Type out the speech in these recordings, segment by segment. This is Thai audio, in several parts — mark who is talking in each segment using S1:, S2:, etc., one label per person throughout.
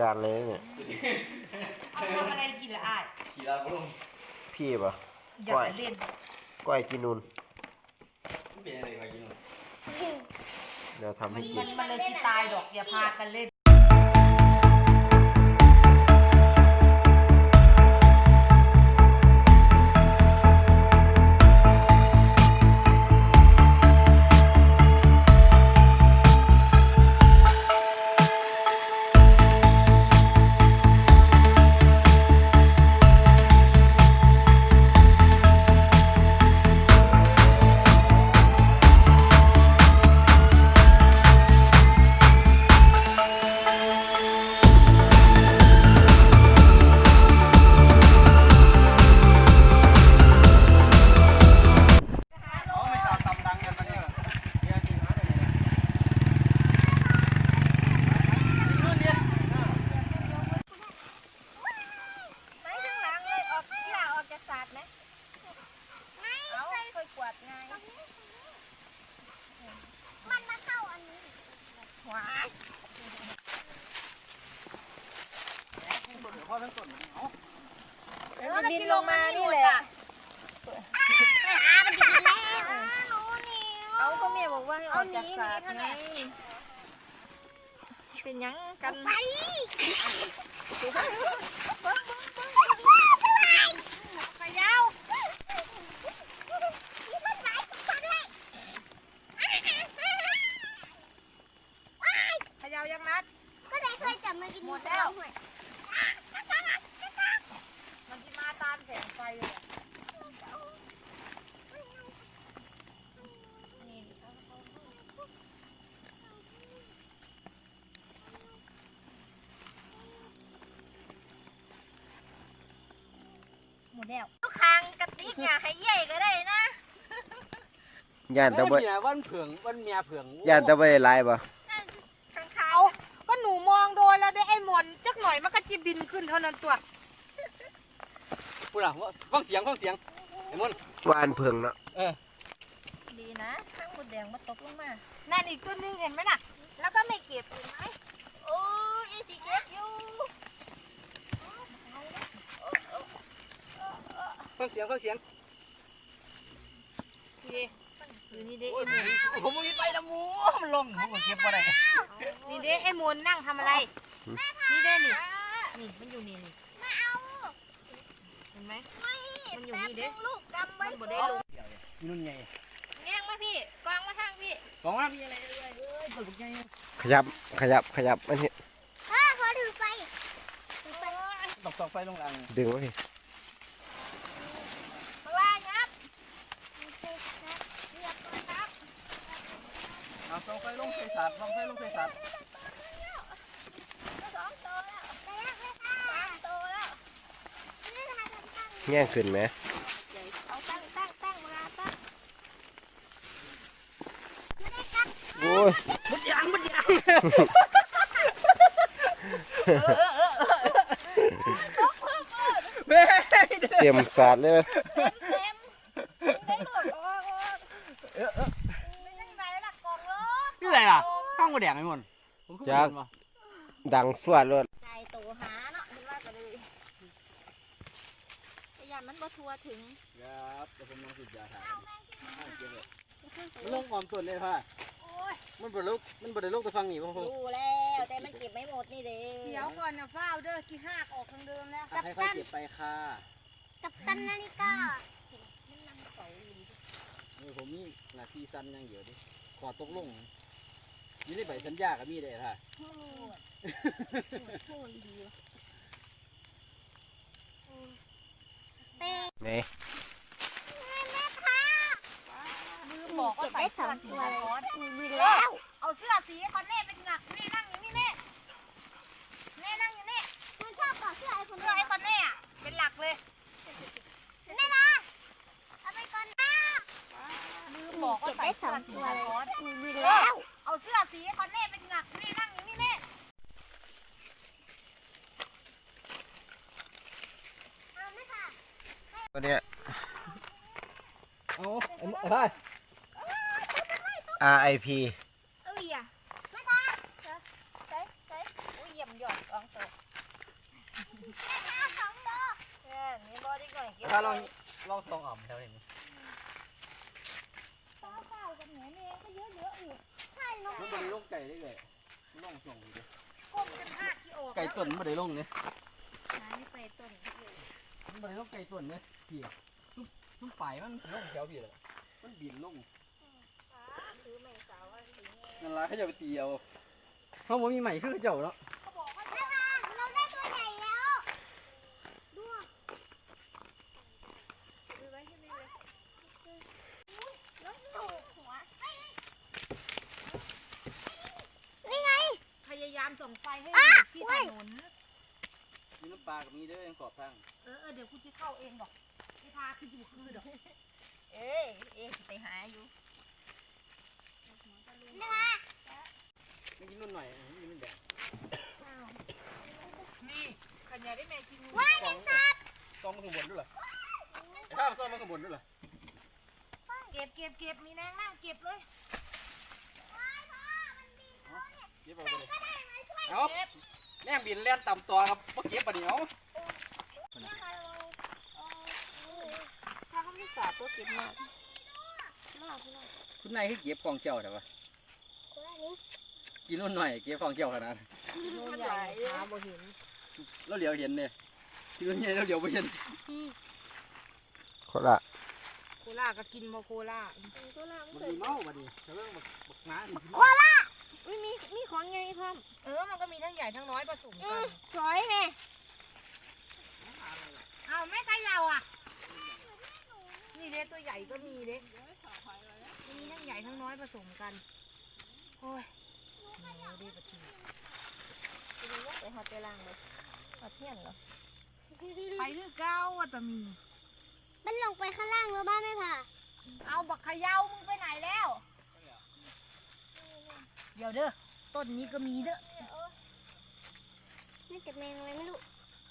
S1: การเลยเนี่ย
S2: เอาทำอะไรกินละอ้าย
S3: ขี่ลาบุ้ง
S1: พี่ปะ
S2: อยากเล่น
S1: ก้อยกินนูน
S3: เป็นอะไรก้อยกินนูน
S1: เดี๋ยวทำให้กิน
S2: มันเลยที่ตายดอกอย่าพากันเล่น
S4: มันบินลงมานี่แหละมันบินแล้วเอาก็แม่บอกว่าให้ออกจากศาสตร์ไงเป็นยังกันไปขยาวขยาวยังนัดก็ได้เคยจับมากินหมดแล้วมันที่มาตามแสงไฟเลยหมดแล้วทุกครั้งกระติกเนี่ยให้ใหญ่ก็ได้นะ
S1: ย่านตะเบย
S3: วันเผืองวันเมียเผือง
S1: ย่านตะเบยลายปะ
S2: เอาก็หนูมองโดนแล้วได้ไอ้หมอนจักหน่อยมันก็จะบินขึ้นเท่านั้นตัว
S3: พูดอ่ะฟังเสียงไอ้มน
S1: วานเพิงเนาะ
S4: ดีนะข้างหมดแดงมาตกลงมา
S2: นั่นอีกตัวนึงเห็นไหมน่ะแล้วก็ไม่เก็บเห็นไหม
S4: โอ้ยสิเก็บอยู่
S3: ฟังเสียง
S2: นี่อยู่นี่เด้
S3: ผมมีไปนะมูมันลงผมเก็บอะไร
S2: นี่เด้ไอ้มนนั่งทำอะไรนี่เด้นี่มันอยู่นี่
S4: ไม่เอา
S2: เห็นไหม
S4: มันอยู่นี่เด้ลูกกำไว้
S2: บ่ได้ลง
S3: นุ่นไง
S4: แง่งมาพี่กองมาทางพี่
S3: กองว่ามีอะไรเปิดไง
S1: ขยับอันนี้
S4: ขอถือไฟ
S3: ตอกไฟลงอ่าง
S1: ดึงไว้พี่
S4: ว่ายับ
S3: ตอกไฟลงใส่สาดตอกไฟลงใส่สาด
S4: 2 ตัวแล้ว3 ตัวแล้ว
S1: แง่ขึ้นไหม
S4: เอาตั้งมาตั้ง
S1: โอ้ย
S3: มุดยาง
S1: เตรียมสาดเลย
S4: ได้หมดเป็นยังไงล่ะกองรถ
S3: นี่อะไรล่ะข้างหัวแดงไอ้มน
S1: จากดังสวดเลย
S4: ใจโตหาเนาะเห็นว่าก็เลยพยายามมันบ่ทัวถึง
S3: ครับแต่ผมลองสุดยาถ่ายมันลงความส่วนเลยค่ะมันบดลุกตัวฟังหนีพ่อ
S4: รู้แล้วแต่มันเก็บไม่หมดนี่เด้
S2: เดี๋ยวก่อนนะฟ้าวเด้อกี่หักออกทางเดิมแล้ว
S3: ให้เขาเก็บไปค่ะ
S4: กับตันนาฬิกา
S3: ผมนี่หน้าที่สั้นอย่างเดียวดิขอตกลงยี่ได้ใบสัญญากับมีได้ค่ะ
S1: นี่
S2: บอกว่าใส่3 ตัว
S4: มีแล้ว
S2: เอาเสื้อสีคอนเน่เป็นหนักนี่นั่งอยู่นี่เน่นั่งอยู่นี่
S4: มันชอบต่อเสื้อไอ้คน
S2: เน่อะเป็นหลักเลย
S4: นี่นะเอาไปก่อนนะ
S2: บอกว่าใส่3 ตัว
S4: มีแล้ว
S2: เอาเสื้อสีคอนเน่เป็นหนักนี่นั่งอยู่นี่เน่
S1: ตัวเนี้ย
S3: อะไร
S1: RIP
S4: ไม่ได้ใส่อุ้ยเยี่ยมยอดกองโต
S2: นี่บอดี้ก่อนเก็บ
S3: ถ้าลองซองอ่ำแถวนี้
S4: เปล่ากับแหนมเองก็เยอะอยู่ใช่น้อง
S3: มันบ่ได้ลงไก่ได้เลยลองส่งดิ
S2: ก้มกันหักที่ออก
S3: ไก่ต้นบ่ได้ลงเนี่ย
S4: หายไปต้น
S3: มันบ่ได้ลงไก่ต้นเนี่ยพี่ทุกฝ่ายมันลงแถวพี่เลยมันบินลง
S4: ซื้อแมงสาวอะไรอย่างเงี้ย
S3: นั่นล่ะเขาจะไปตีเอาเขาบ่มีใหม่คือเจ้าเนาะ
S4: เราได้ตัวใหญ่แล้วดูดูไว้ที่นี่เลยแล้วตูดหัวนี่ไง
S2: พยายามส่งไฟให้อยู่ที่ถนน
S3: มีน้ำปลากับมีเด้อยังขอบทาง
S2: เดี๋ยวกูจะเข้าเองดอกไม่พาคืออยู่คือดอก
S4: เอ๊ะไปหาอยู่
S3: ไม่กินนุ่นหน่อยนี่มันแดง
S2: นี่ขันยาได้แม่กินงู
S4: ว้ายแมงสาบ
S3: ซองมันข้างบนด้วยเหรอไอ้ข้าวซองมันข้างบนด้วยเหรอ
S2: เก็บมีนางนั่งเก็บเลย
S3: เก็บเอาไปเลยเอาแม่งบินแล่นต่ำตัวครับเมื่อกี้ปะเดี๋ยว
S4: ถ้าเขาไม่สาบตัวเก็บมาก
S3: คุณนายคือเก็บกองเจ้าแต่ว่ากินนุ่นหน่อยเก็บกองเจ้าขนาด
S2: งูใหญ่หาบ่เห็น
S3: เราเหลียวเห็นเนี่ยกินนุ่นใหญ่เราเหลียวไปเห็น
S1: คนละ
S2: โคล่าก็กินบ่โคล่า
S3: มันมีเมาบัดนี้แต่เรื่องบักน้าดิ
S4: มีของไงพ่อม
S2: มันก็มีทั้งใหญ่ทั้งน้อยผสมกัน
S4: สวยแม่
S2: เอาแม่ไก่ยาวอ่ะนี่เด้ตัวใหญ่ก็มีเด้มีทั้งใหญ่ทั้งน้อยผสมกันโอ้ยดีปะที
S4: ไปหอดไปล่างเลยหอดเที่ยงเหรอ
S2: ไปคือเก้าอ่ะตะมี
S4: มันลงไปข้างล่างแล้วบ้านไม่ผ่า
S2: เอาบักเขยามึงไปไหนแล้ว เดี๋ยวเด้อต้นนี้ก็มีเด้อ
S4: นี่จะแมงอะไรไม่รู้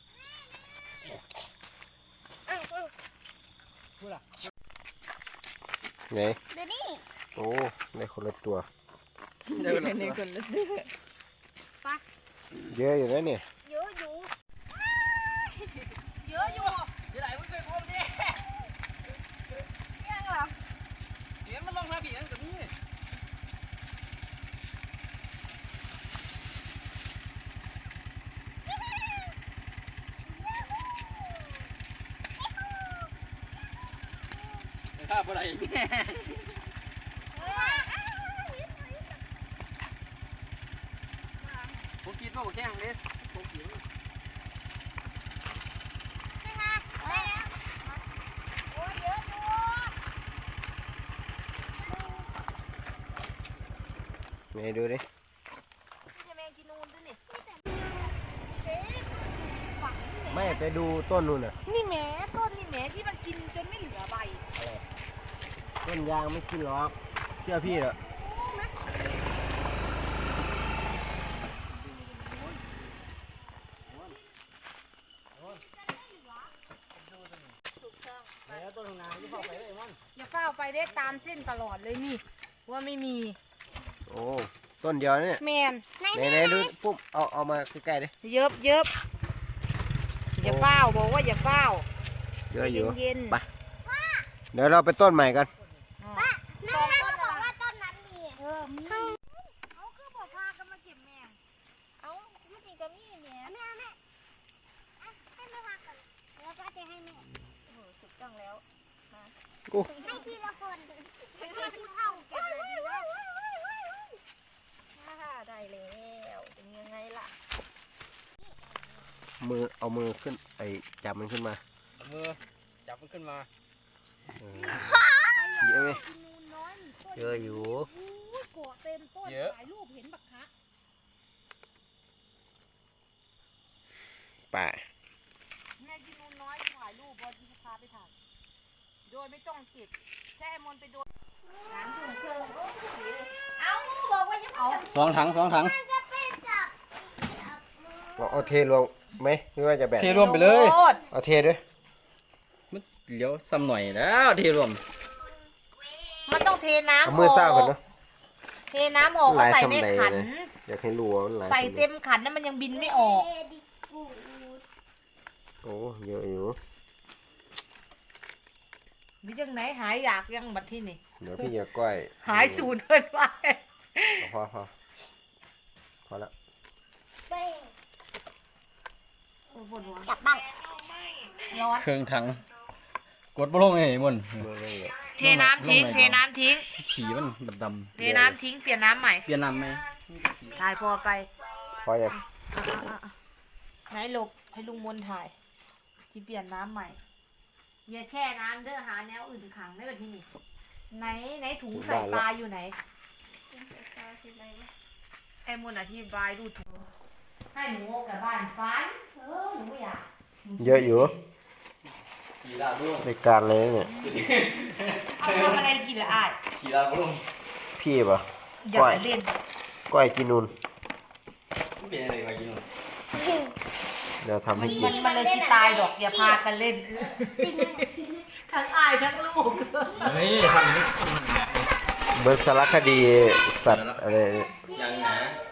S3: พูดล่ะ
S1: ไหน
S4: เดี๋ยวนี้
S1: โอ้ได้คนละตัว
S3: เดี๋ยวเรา
S1: เยอะอยู่นะเนี่ย
S4: เยอะอยู่
S2: เยอะอยู่
S3: เดี๋ยวไหนมึงไปพบดิ
S2: ยังเหรอ
S3: เห็นมันลงมาบีนั่นกับนี่ข้าบ่ได้ผมคิดว่าผมแข้งเด้ผมเขียว
S4: ได้แล้วโอ้ยเยอะอยู่
S1: ไหนดูดิ
S2: จะแมงกินนูนด้วยนี่
S1: ไม่ไปดูต้นนู่นน่ะ
S2: นี่แหมต้นนี่แหมที่มันกินจนไม่เหลือใบ
S1: ต้นยางไม่กินหรอกเชื่อพี่เหรอ
S3: แล้วต้นนาที่เข้าไปเลยมัน
S2: อย่าเฝ้าไปได้ตามเส้นตลอดเลยนี่ ว่าไม่มี
S1: โอ้ต้นเดียวเนี่ย
S2: แมน
S1: ไหนดูปุ๊บเอามาใกล้ๆดิ
S2: เยิบอย่าเฝ้าบอกว่าอย่าเฝ้า
S1: เยอะอยู่
S2: เย็น
S1: ไปเดี๋ยวเราไปต้นใหม่กัน
S2: ๆ
S4: แม่เขาบอกว่าต้นนั้นมี
S2: มีเอาคือบอกพากันมาเก็บแมง
S4: เอาไม่จริงก็มีเนี่ยแม่ให้แม่พากันแล้วก็จะให้แม่ถูกต้องแล้วให้ทีละคนให้ทีเท่าเก็บเลยดีแล้วได้แล้วเป็นยังไงล่ะ
S1: เอามือขึ้นไอจับมันขึ้นมา
S3: มือจับมันขึ้นมา
S1: เยอะไหม
S2: กินนูนน้อยนี่ต้น
S1: เยอะอยู่
S2: อุ้ยโกะเต็มต้น
S3: เยอะ
S2: ถ่ายรูปเห็นบักคะ
S1: ป่า
S2: แม่กินนูนน้อยถ่ายรูปบอที่พาไปถ่ายโดยไม่ต้องเก็บแค่มนไปโดนน้ำถุงเชิงเอาบอกว่าอย่าเอา
S3: สองถัง
S4: จะไปจับ
S1: เอาเทรวมไหมหรือว่าจะแบ่ง
S3: เทรวมไปเลย
S2: โคตร
S1: เอาเทด้วย
S3: มันเหลียวซ้ำหน่อยแล้วเทรวม
S2: มันต้องเทน้ำ
S1: เอามือซ่าก่อนเนาะ
S2: เทน้ำออก
S1: หลาย
S2: ใส่
S1: สำ
S2: ใน
S1: ใด
S2: ขัน
S1: เลย อยากให้รู้ว่ามันหลาย
S2: ใส่
S1: สำใด
S2: เต็มขันนั้นมันยังบินไม่ออก
S4: ดิกู
S1: เยอะอยู่
S2: มีจังไหนหายอยากยังบัดที่นี่
S1: เดี๋ยวพี่จะก้อย
S2: หายสูญเกินไป
S1: พอพอแล้ว
S4: เป้ง
S2: ปวดหัว
S4: กลับบ้าน
S2: ร้อน
S3: เครื่องถังกดบ่ลงไอ้มุ่น
S1: เมื่อไรอ่ะ
S2: เทน้ำทิ้ง เทน้ำทิ้ง
S3: ขี่มันดำ
S2: เทน้ำทิ้ง เปลี่ยนน้ำใหม่
S3: เปลี่ยนน้ำไหม
S2: ถ่ายพอไป
S1: พอยัง
S2: ไหนหลบให้ลุงมนถ่าย ที่เปลี่ยนน้ำใหม่ อย่าแช่น้ำเด้อหาแนวอื่นขังได้แบบที่นี่ไหนถุงใส่ปลาอยู่ไหน ไอ้มนอธิบายดูถุงให้หนูออกจากบ้านฟันหนูไม่อยาก
S1: เยอะอยู่
S3: ขี่ลาบ่ลง
S1: ในการเลยเนี่ย
S2: เอาทำอะไรกินละอ้าย
S3: ขี่ลาบ่ลง
S1: พี่ปะ
S2: อย่าไปเล่น
S1: ก้อยกินนูน
S3: มันเป็นอะไรวะกินนู่น
S1: เดี๋ยวทำให้กิ
S2: มัน นเลยที่ตายดอกอย่าพากันเล่น ทั้งอ้ายทั้งลูก
S3: เฮ้ยทำนี่
S1: เบิร์สารคดีสัตว์อะไร
S3: อย่างหนา